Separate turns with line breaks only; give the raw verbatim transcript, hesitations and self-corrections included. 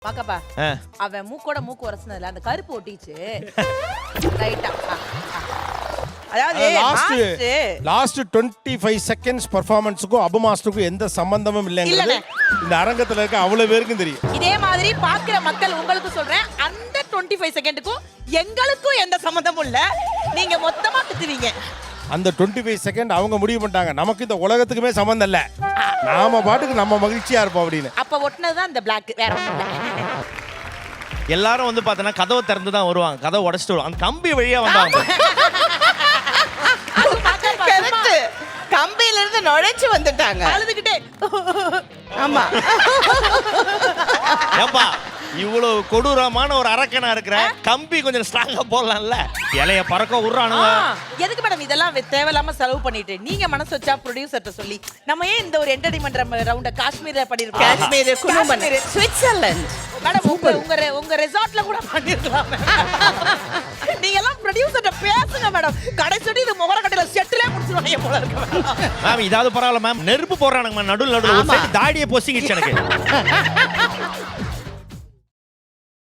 பாக்கப்பா அவன் மூக்கோட மூக்கு வரசுனதுல அந்த கருப்பு ஒட்டிச்சு ரைட்டா.
அதாவது last last twenty five seconds பெர்ஃபார்மன்ஸுக்கும் அபு மாஸ்டருக்கும் எந்த சம்பந்தமும் இல்லைங்கிறது இந்த அரங்கத்துல இருக்க அவ்வளவு பேருக்கும் தெரியும்.
இதே மாதிரி பாக்குற மக்கள் உங்களுக்கு சொல்றேன், அந்த டுவெண்ட்டி ஃபைவ் செகண்டுக்கும் எங்களுக்கும் எந்த சம்பந்தமும் இல்ல. நீங்க மொத்தமா திட்டுவீங்க.
அந்த டுவெண்ட்டி ஃபைவ் செகண்ட் அவங்க முடிவு பண்ணிட்டாங்க, நமக்கு இந்த உலகத்துக்குமே சம்பந்தம் இல்ல, நாம பாட்டுக்கு நம்ம மகிழ்ச்சியா இருப்போம் அப்படின்னு.
அப்ப ஒட்டினதுதான் இந்த பிளாக், வேற ஒண்ணும் இல்ல.
எல்லாரும் வந்து பார்த்தனா கதவை திறந்து தான் வருவாங்க, கதவை உடைச்சிட்டு வருவாங்க, அந்த கம்பி வழியா வந்தாங்க.
கம்பியில இருந்து நுழைச்சு வந்துட்டாங்க
அழுதுகிட்டே.
ஆமா
ஏப்பா இவ்வளவு கொடூரமான ஒரு அரக்கனா இருக்கிற, கம்பி கொஞ்சம் ஸ்ட்ராங்கா போடலாம்ல, இலைய பறக்க விடுறானுங்க.
எதுக்கு மேடம் இதெல்லாம் தேவையில்லாம செலவு பண்ணிட்டு? நீங்க மனசு வச்சா ப்ரொடியூசர்ட்ட சொல்லி நம்ம ஏன் இந்த ஒரு என்டர்டைன்மெண்ட் ரவுண்ட காஷ்மீர்ல பண்ணிருக்கோம்.
காஷ்மீர், குனூமன், சுவிட்சர்லாந்து
மேடம் உங்க உங்க உங்க ரெசார்ட்ல கூட பண்ணிருக்கலாம். நீங்க எல்லாம் ப்ரொடியூசர்ட்ட பேசுங்க மேடம். கடைசிட்டு இது முகர கடையில செட்டிலே முடிச்சுவாங்க போல இருக்கு.
மேம் இதாவது பரவாயில்ல மேம், நெருப்பு போடுறானுங்க மேம், நடுவுல நடுவுல ஒரு சைடு தாடியை பொசிக்கிச்சு எனக்கு.